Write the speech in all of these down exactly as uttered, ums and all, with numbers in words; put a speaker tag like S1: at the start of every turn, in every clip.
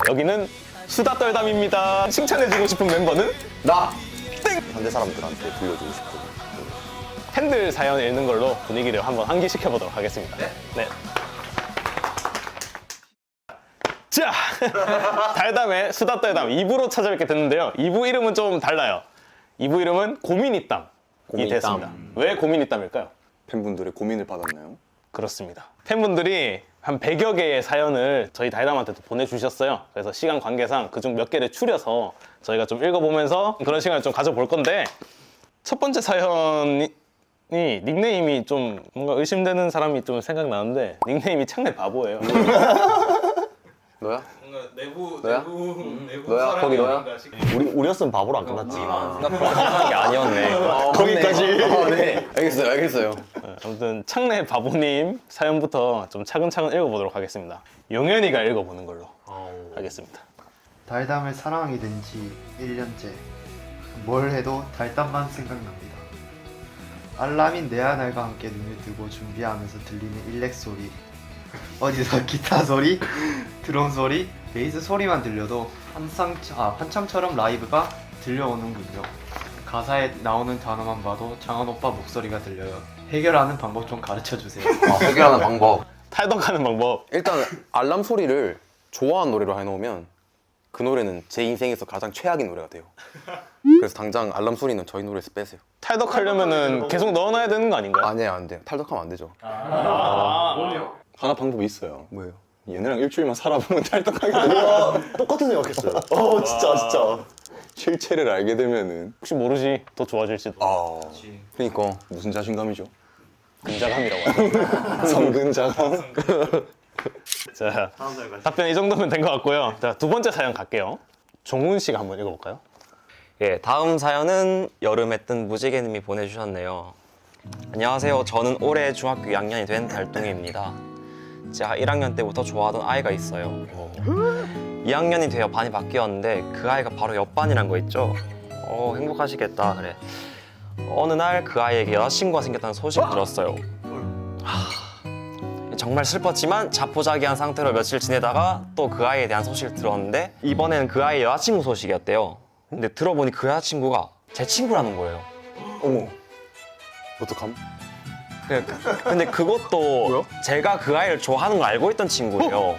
S1: 여기는 수다 떨담입니다. 칭찬해주고 싶은 멤버는
S2: 나!
S1: 땡!
S2: 상대 사람들한테 들려주고 싶은
S1: 팬들 사연 읽는 걸로 분위기를 한번 환기시켜보도록 하겠습니다. 네? 네. 자, 달담의 수다 떨담 이 부로 찾아뵙게 됐는데요. 이 부 이름은 좀 달라요. 이 부 이름은 고민이땀이
S2: 고민이땀.
S1: 됐습니다. 왜 고민이땀일까요?
S2: 팬분들의 고민을 받았나요?
S1: 그렇습니다. 팬분들이 한 백여 개의 사연을 저희 달담한테도 보내주셨어요. 그래서 시간 관계상 그중 몇 개를 추려서 저희가 좀 읽어보면서 그런 시간을 좀 가져볼 건데, 첫 번째 사연이 닉네임이 좀 뭔가 의심되는 사람이 좀 생각나는데, 닉네임이 창내 바보예요.
S2: 너야?
S1: 뭔가 내부,
S2: 너야?
S1: 내부, 내부
S2: 너야?
S1: 사람이
S2: 거기 너야?
S1: 뭔가 시-
S2: 우리, 우리였으면 바보로 안 끝났지.
S3: 생각한 게 아니었네.
S2: 거기까지. 아, 네. 알겠어요, 알겠어요.
S1: 아무튼 창내 바보님 사연부터 좀 차근차근 읽어보도록 하겠습니다. 용현이가 읽어보는 걸로 하겠습니다.
S4: 달담을 사랑하게 된 지 일 년째. 뭘 해도 달담만 생각납니다. 알람인 내아날과 함께 눈을 뜨고 준비하면서 들리는 일렉 소리, 어디서 기타 소리, 드럼 소리, 베이스 소리만 들려도 한상, 아, 한참처럼 라이브가 들려오는군요. 가사에 나오는 단어만 봐도 장원 오빠 목소리가 들려요. 해결하는 방법 좀 가르쳐주세요.
S2: 아, 해결하는 방법.
S1: 탈덕하는 방법.
S2: 일단 알람 소리를 좋아하는 노래로 해놓으면 그 노래는 제 인생에서 가장 최악인 노래가 돼요. 그래서 당장 알람 소리는 저희 노래에서 빼세요.
S1: 탈덕하려면은 계속 넣어놔야 되는 거 아닌가요?
S2: 아니에요, 안 돼요. 탈덕하면 안 되죠.
S5: 하나 방법이 있어요.
S2: 뭐예요?
S5: 얘네랑 일주일만 살아보면 탈덕하게 돼요.
S2: 똑같은 생각했어요.
S5: 어 진짜 진짜. 실체를 알게 되면은
S1: 혹시 모르지 더 좋아질지도.
S5: 아
S2: 그러니까
S5: 무슨 자신감이죠?
S1: 근자감이라고 하죠.
S5: 성근자감.
S1: 자, 답변 이 정도면 된 것 같고요. 자, 두 번째 사연 갈게요. 종훈 씨가 한번 읽어볼까요?
S3: 예, 다음 사연은 여름에 뜬 무지개님이 보내주셨네요. 안녕하세요. 저는 올해 중학교 이 학년이 된 달동이입니다. 제가 일 학년 때부터 좋아하던 아이가 있어요. 이 학년이 되어 반이 바뀌었는데 그 아이가 바로 옆반이란 거 있죠? 어, 행복하시겠다. 그래. 어느 날 그 아이에게 여자친구가 생겼다는 소식 들었어요. 하... 정말 슬펐지만 자포자기한 상태로 며칠 지내다가 또 그 아이에 대한 소식을 들었는데 이번에는 그 아이의 여자친구 소식이었대요. 근데 들어보니 그 여자친구가 제 친구라는 거예요.
S5: 어머. 어떡함?
S3: 그- 그- 근데 그것도 제가 그 아이를 좋아하는 걸 알고 있던 친구예요.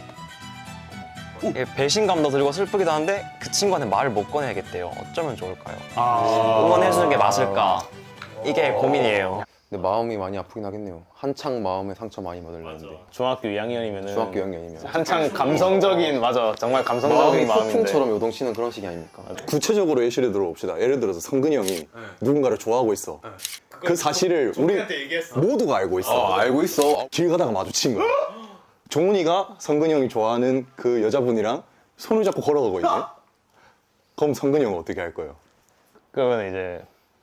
S3: 이게 배신감도 들고 슬프기도 한데 그 친구한테 말을 못 꺼내야겠대요. 어쩌면 좋을까요? 응원해주는 게 맞을까? 이게 고민이에요.
S2: 근데 마음이 많이 아프긴 하겠네요. 한창 마음에 상처 많이 받으려는데.
S1: 중학교 이 학년이면은
S2: 중학교 이 학년이면.
S1: 한창 감성적인, 맞아, 정말
S2: 마음이
S1: 감성적인 마음인데.
S2: 폭풍처럼 요동치는 그런 시기 아닙니까?
S5: 구체적으로 예시를 들어봅시다. 예를 들어서 성근이 형이 누군가를 좋아하고 있어. 그 사실을 우리 모두가 알고 있어.
S2: 알고 있어.
S5: 길 가다가 마주친 거야. 종훈이가 성근이 형이 좋아하는 그 여자분이랑 손을 잡고 걸어가고 있네. 그럼 성근이 형은 어떻게 할 거예요?
S1: 그러면 이제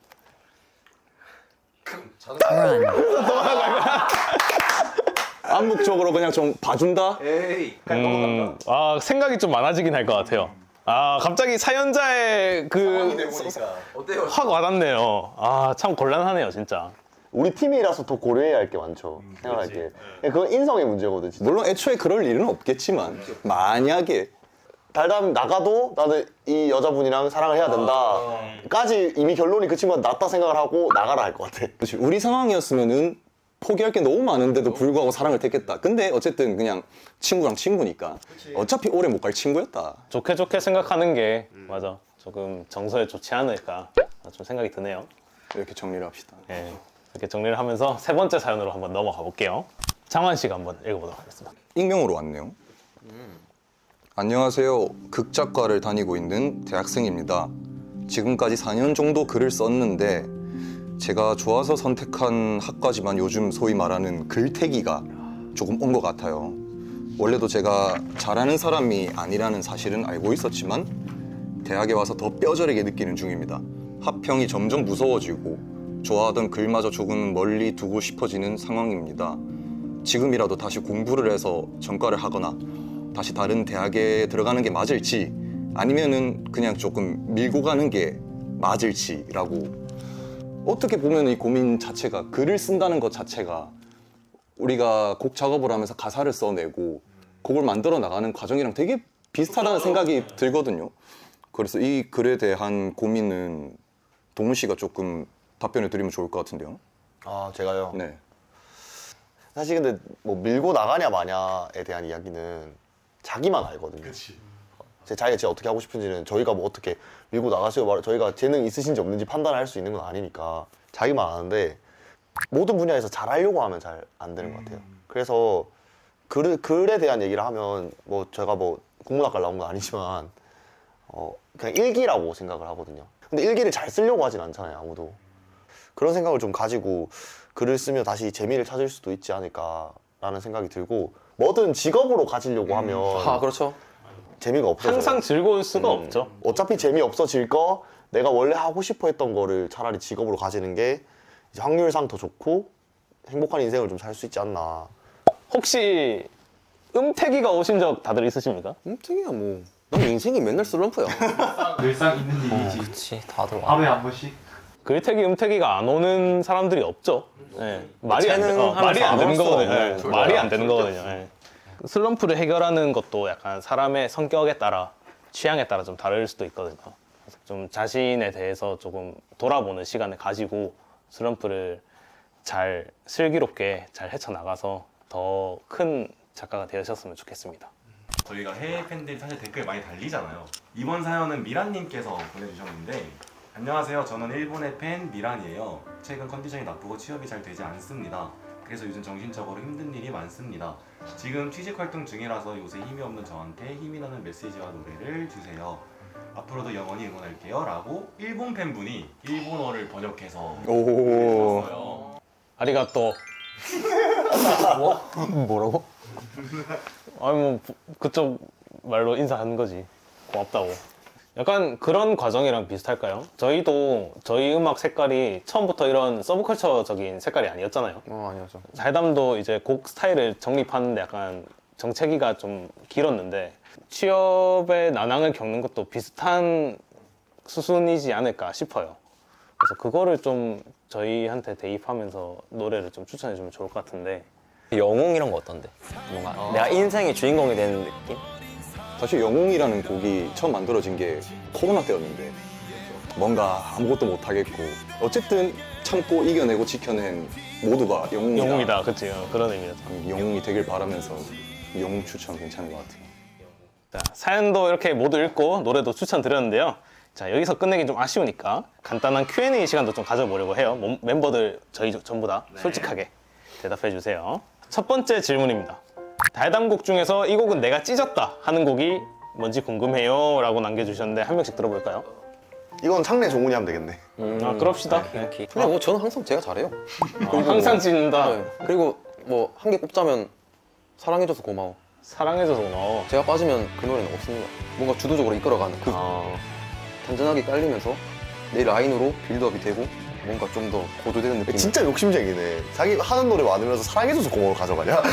S5: 암묵적으로 그냥 좀 봐준다?
S1: 음, 아, 생각이 좀 많아지긴 할 것 같아요. 아, 갑자기 사연자의 그 확 와닿네요. 아, 참 곤란하네요, 진짜.
S6: 우리 팀이라서 더 고려해야 할 게 많죠. 생각할게. 그건 인성의 문제거든. 진짜.
S5: 물론 애초에 그럴 일은 없겠지만 만약에
S6: 달담 나가도 나는 이 여자분이랑 사랑을 해야 된다. 까지 이미 결론이 그 친구가 낫다 생각을 하고 나가라 할 것 같아.
S5: 그치, 우리 상황이었으면은 포기할 게 너무 많은데도 불구하고 사랑을 택했다. 근데 어쨌든 그냥 친구랑 친구니까 어차피 오래 못 갈 친구였다.
S1: 좋게 좋게 생각하는 게, 맞아, 조금 정서에 좋지 않을까 좀 생각이 드네요.
S5: 이렇게 정리를 합시다.
S1: 예, 이렇게 정리를 하면서 세 번째 사연으로 한번 넘어가 볼게요. 장환 씨가 한번 읽어보도록 하겠습니다.
S5: 익명으로 왔네요. 안녕하세요. 극작과를 다니고 있는 대학생입니다. 지금까지 사 년 정도 글을 썼는데 제가 좋아서 선택한 학과지만 요즘 소위 말하는 글태기가 조금 온 것 같아요. 원래도 제가 잘하는 사람이 아니라는 사실은 알고 있었지만 대학에 와서 더 뼈저리게 느끼는 중입니다. 합평이 점점 무서워지고 좋아하던 글마저 조금 멀리 두고 싶어지는 상황입니다. 지금이라도 다시 공부를 해서 전과를 하거나 다시 다른 대학에 들어가는 게 맞을지 아니면은 그냥 조금 밀고 가는 게 맞을지라고. 어떻게 보면 이 고민 자체가, 글을 쓴다는 것 자체가 우리가 곡 작업을 하면서 가사를 써내고 곡을 만들어 나가는 과정이랑 되게 비슷하다는 생각이 들거든요. 그래서 이 글에 대한 고민은 동훈 씨가 조금 답변을 드리면 좋을 것 같은데요.
S6: 아 제가요.
S5: 네.
S6: 사실 근데 뭐 밀고 나가냐 마냐에 대한 이야기는 자기만 알거든요. 제 자기가 진짜 어떻게 하고 싶은지는 저희가 뭐 어떻게 밀고 나가시고 말 저희가 재능 있으신지 없는지 판단할 수 있는 건 아니니까 자기만 아는데 모든 분야에서 잘하려고 하면 잘 안 되는 것 같아요. 그래서 글, 글에 대한 얘기를 하면 뭐 제가 뭐 국문학과를 나온 건 아니지만 어 그냥 일기라고 생각을 하거든요. 근데 일기를 잘 쓰려고 하진 않잖아요, 아무도. 그런 생각을 좀 가지고 글을 쓰며 다시 재미를 찾을 수도 있지 않을까라는 생각이 들고 뭐든 직업으로 가지려고 하면
S2: 아 그렇죠.
S6: 재미가 없어져요.
S1: 항상 즐거울 수가
S6: 음,
S1: 없죠.
S6: 어차피 재미없어질 거 내가 원래 하고 싶어 했던 거를 차라리 직업으로 가지는 게 이제 확률상 더 좋고 행복한 인생을 좀 살 수 있지 않나.
S1: 혹시 음태기가 오신 적 다들 있으십니까?
S2: 음,특이야 뭐. 난 인생이 맨날 슬럼프야.
S4: 늘상 있는 일이지.
S3: 그렇지 다들 와.
S4: 하루에 한 번씩.
S1: 글태기, 음태기가 안 오는 사람들이 없죠. 예. 말이 안, 되,
S3: 재능
S1: 어, 말이 안 되는
S3: 하면서 안
S1: 거거든요.
S3: 왔어.
S1: 예. 말이 안 되는 거거든요. 예. 슬럼프를 해결하는 것도 약간 사람의 성격에 따라, 취향에 따라 좀 다를 수도 있거든요. 그래서 좀 자신에 대해서 조금 돌아보는 시간을 가지고 슬럼프를 잘 슬기롭게 잘 헤쳐나가서 더 큰 작가가 되셨으면 좋겠습니다.
S7: 저희가 해외 팬들이 사실 댓글 많이 달리잖아요. 이번 사연은 미란님께서 보내주셨는데 안녕하세요. 저는 일본의 팬 미란이에요. 최근 컨디션이 나쁘고 취업이 잘 되지 않습니다. 그래서 요즘 정신적으로 힘든 일이 많습니다. 지금 취직 활동 중이라서 요새 힘이 없는 저한테 힘이 나는 메시지와 노래를 주세요. 앞으로도 영원히 응원할게요. 라고 일본 팬분이 일본어를 번역해서
S5: 오.
S7: 보내주셨어요.
S1: 아리가또.
S2: 뭐라고?
S1: 아니 뭐 부- 그쪽 말로 인사하는 거지. 고맙다고. 약간 그런 과정이랑 비슷할까요? 저희도 저희 음악 색깔이 처음부터 이런 서브컬처적인 색깔이 아니었잖아요.
S2: 어 아니죠.
S1: 달담도 이제 곡 스타일을 정립하는데 약간 정체기가 좀 길었는데 취업의 난항을 겪는 것도 비슷한 수순이지 않을까 싶어요. 그래서 그거를 좀 저희한테 대입하면서 노래를 좀 추천해 주면 좋을 것 같은데.
S3: 영웅 이런 거 어떤데? 뭔가 내가 인생의 주인공이 되는 느낌?
S5: 사실 영웅이라는 곡이 처음 만들어진 게 코로나 때였는데 뭔가 아무것도 못 하겠고 어쨌든 참고 이겨내고 지켜낸 모두가 영웅이다.
S1: 영웅이다, 그치? 어, 그런 의미죠.
S5: 영웅이 되길 바라면서 영웅 추천 괜찮은 것 같아요.
S1: 자, 사연도 이렇게 모두 읽고 노래도 추천드렸는데요. 자, 여기서 끝내기 좀 아쉬우니까 간단한 큐 앤 에이 시간도 좀 가져보려고 해요. 몸- 멤버들 저희 전부 다 솔직하게 대답해 주세요. 첫 번째 질문입니다. 달담곡 중에서 이 곡은 내가 찢었다 하는 곡이 뭔지 궁금해요 라고 남겨주셨는데 한 명씩 들어볼까요?
S6: 이건 창래 종훈이 하면 되겠네.
S1: 아, 그럽시다. 네.
S2: 근데 뭐 저는 항상 제가 잘해요.
S1: 아, 항상 찢는다.
S2: 네. 그리고 뭐 한 개 꼽자면 사랑해줘서 고마워.
S1: 사랑해줘서 고마워.
S2: 제가 빠지면 그 노래는 없습니다. 뭔가 주도적으로 이끌어가는 그
S1: 아,
S2: 단단하게 깔리면서 내 라인으로 빌드업이 되고 뭔가 좀 더 고조되는 느낌.
S6: 진짜 욕심쟁이네. 자기 하는 노래 많으면서 사랑해줘서 고마워 가져가냐?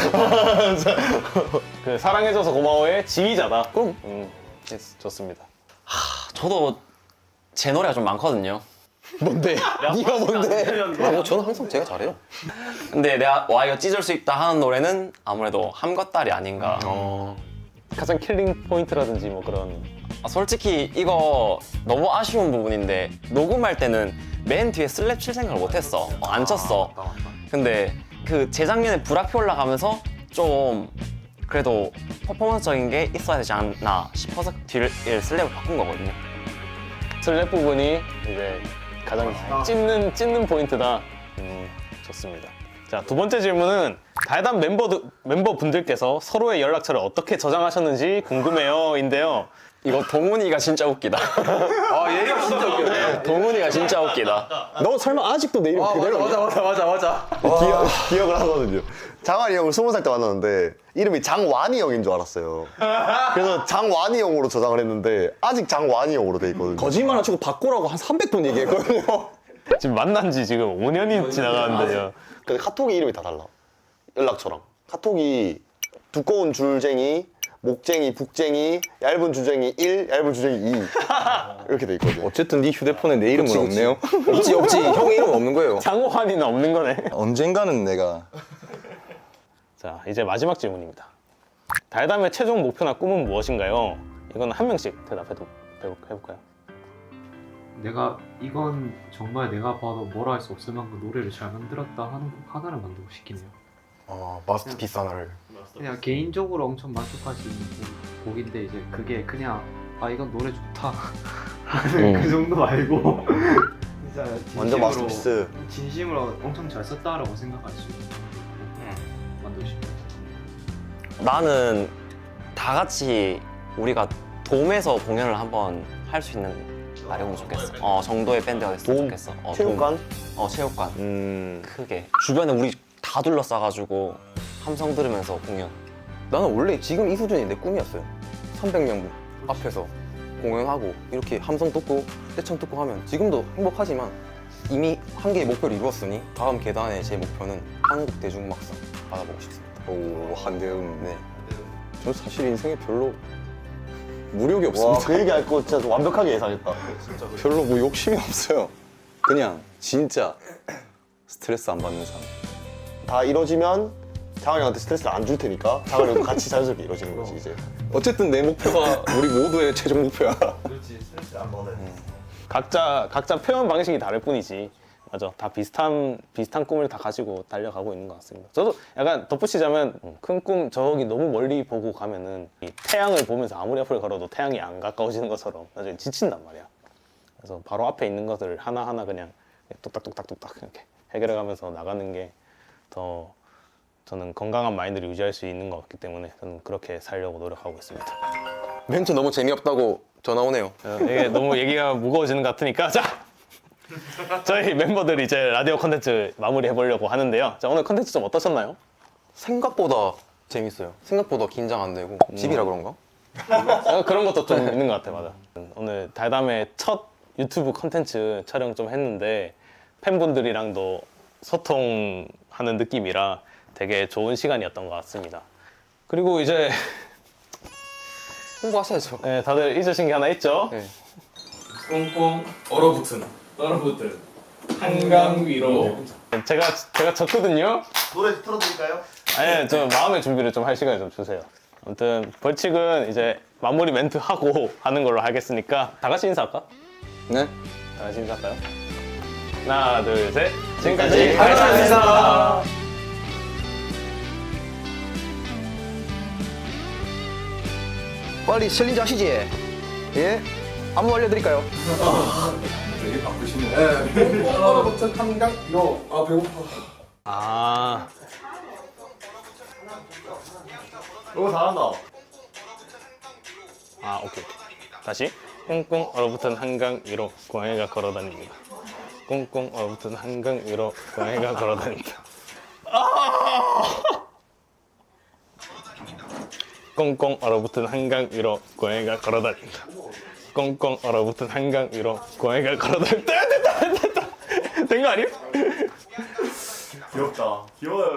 S1: 그 사랑해줘서 고마워의 지휘자다.
S2: 그럼
S1: 음, 좋습니다.
S3: 저도 제 노래가 좀 많거든요.
S2: 뭔데? 네가 뭔데? 아, 뭐 저는 항상 제가 잘해요.
S3: 근데 내가 와 이거 찢을 수 있다 하는 노래는 아무래도 함것달이 아닌가.
S2: 어.
S1: 가장 킬링 포인트라든지 뭐 그런.
S3: 아, 솔직히 이거 너무 아쉬운 부분인데 녹음할 때는 맨 뒤에 슬랩 칠 생각을 못했어. 어, 안 쳤어. 근데 그 재작년에 불악표 올라가면서 좀 그래도 퍼포먼스적인 게 있어야 되지 않나 싶어서 뒤를 슬랩을 바꾼 거거든요.
S1: 슬랩 부분이 이제 가장 찝는 찝는 포인트다. 음, 좋습니다. 자, 두 번째 질문은 달담 멤버 멤버분들께서 서로의 연락처를 어떻게 저장하셨는지 궁금해요인데요.
S3: 이거 동훈이가 진짜 웃기다.
S2: 아 얘가 진짜 웃겨.
S3: 동훈이가 진짜 웃기다.
S6: 너 설마 아직도 내 이름
S2: 아
S6: 그대로
S2: 맞아 맞아 맞아 맞아.
S6: 기억, 기억을 하거든요. 장환이 형을 스무 살 때 만났는데 이름이 장완이 형인 줄 알았어요. 그래서 장완이 형으로 저장을 했는데 아직 장완이 형으로 돼 있거든요.
S5: 거짓말 안 치고 바꾸라고 한 삼백 번 얘기했거든요.
S1: 지금 만난 지 지금 오 년이 지나가는데요.
S6: 근데 카톡이 이름이 다 달라. 연락처랑. 카톡이 두꺼운 줄쟁이, 목쟁이, 북쟁이, 얇은 줄쟁이 일, 얇은 줄쟁이 이 이렇게 돼 있거든요.
S5: 어쨌든 네 휴대폰에 내 이름은
S2: 그치,
S5: 없네요.
S2: 없지 없지. 형 이름 없는 거예요.
S1: 장호환이는 없는 거네.
S5: 언젠가는 내가
S1: 자, 이제 마지막 질문입니다. 달담의 최종 목표나 꿈은 무엇인가요? 이건 한 명씩 대답해도 해볼까요?
S8: 내가 이건 정말 내가 봐도 뭐라 할 수 없을 만큼 노래를 잘 만들었다 하는 곡 하나를 만들고 싶긴 해요.
S2: 어, 마스터피스 하나를.
S8: 그냥 개인적으로 엄청 만족할 수 있는 곡, 곡인데 이제 그게 그냥 아 이건 노래 좋다 하는 그 정도 말고 진짜
S6: 완전
S8: 진심으로
S6: 마스터피스.
S8: 진심으로 엄청 잘 썼다라고 생각할 수 있는 곡 만들고 싶어요.
S3: 나는 다 같이 우리가 돔에서 공연을 한번 할 수 있는 날이 오면 좋겠어. 어 정도의 밴드가 됐으면
S6: 돔?
S3: 좋겠어. 어,
S6: 체육관?
S3: 돔. 어 체육관.
S6: 음.
S3: 크게 주변에 우리 다 둘러싸가지고 함성 들으면서 공연.
S2: 나는 원래 지금 이 수준이 내 꿈이었어요. 삼백 명 앞에서 공연하고 이렇게 함성 듣고 떼창 듣고 하면 지금도 행복하지만 이미 한 개의 목표를 이루었으니 다음 계단의 제 목표는 한국 대중음악상 받아보고 싶습니다.
S5: 오, 한대음.
S2: 네.
S5: 저 사실 인생에 별로 무력이
S6: 와,
S5: 없습니다.
S6: 그 얘기 알고 진짜 완벽하게 예상했다.
S5: 별로 뭐 욕심이 없어요. 그냥 진짜 스트레스 안 받는 삶.
S6: 다 이뤄지면 장환이 형한테 스트레스를 안 줄 테니까 장환이 형도 같이 자연스럽게 이뤄지는 거지 이제.
S5: 어쨌든 내 목표가 우리 모두의 최종 목표야.
S1: 각자 각자 표현 방식이 다를 뿐이지. 맞아. 다 비슷한 비슷한 꿈을 다 가지고 달려가고 있는 것 같습니다. 저도 약간 덧붙이자면 큰 꿈 저기 너무 멀리 보고 가면은 이 태양을 보면서 아무리 앞을 걸어도 태양이 안 가까워지는 것처럼 나중에 지친단 말이야. 그래서 바로 앞에 있는 것을 하나 하나 그냥 뚝딱뚝딱뚝딱 이렇게 해결해가면서 나가는 게 더 저는 건강한 마인드를 유지할 수 있는 것 같기 때문에 저는 그렇게 살려고 노력하고 있습니다.
S2: 멘트 너무 재미없다고 전화 오네요.
S1: 어, 이게 너무 얘기가 무거워지는 것 같으니까 자 저희 멤버들이 이제 라디오 컨텐츠 마무리해 보려고 하는데요. 자 오늘 컨텐츠 좀 어떠셨나요?
S2: 생각보다 재밌어요. 생각보다 긴장 안 되고 집이라 그런가?
S1: 어, 그런 것도 좀 있는 것 같아. 맞아. 오늘 달담의 첫 유튜브 컨텐츠 촬영 좀 했는데 팬분들이랑도 소통하는 느낌이라 되게 좋은 시간이었던 것 같습니다. 그리고 이제
S2: 홍보하셔야죠.
S1: 네, 다들 잊으신 게 하나 있죠?
S2: 네.
S1: 꽁꽁 얼어붙은 얼어붙은 한강 위로 제가 제가 졌거든요.
S6: 노래 틀어드릴까요?
S1: 아니 좀 마음의 준비를 좀 할 시간을 좀 주세요. 아무튼 벌칙은 이제 마무리 멘트 하고 하는 걸로 하겠으니까 다 같이 인사할까?
S5: 네?
S1: 다 같이 인사할까요? 하나 둘 셋.
S6: 지금까지
S1: 감사합니다.
S2: 빨리 챌린지 하시지. 예? 안무 알려드릴까요?
S1: 아
S6: 오 잘한다.
S1: 아 오케이 다시 꽁꽁 얼어붙은 한강 위로 고양이가 걸어다닙니다. 꽁꽁 얼어붙은 한강 위로 고양이가 걸어다닙니다. 아! 꽁꽁 얼어붙은 한강 위로 고양이가 걸어다닙니다. 꽁꽁 얼어붙은 한강 위로 고양이가 걸어다닙니다. 됐다 됐다 됐다 된 거 아니에요?
S6: 귀엽다. 귀여워요.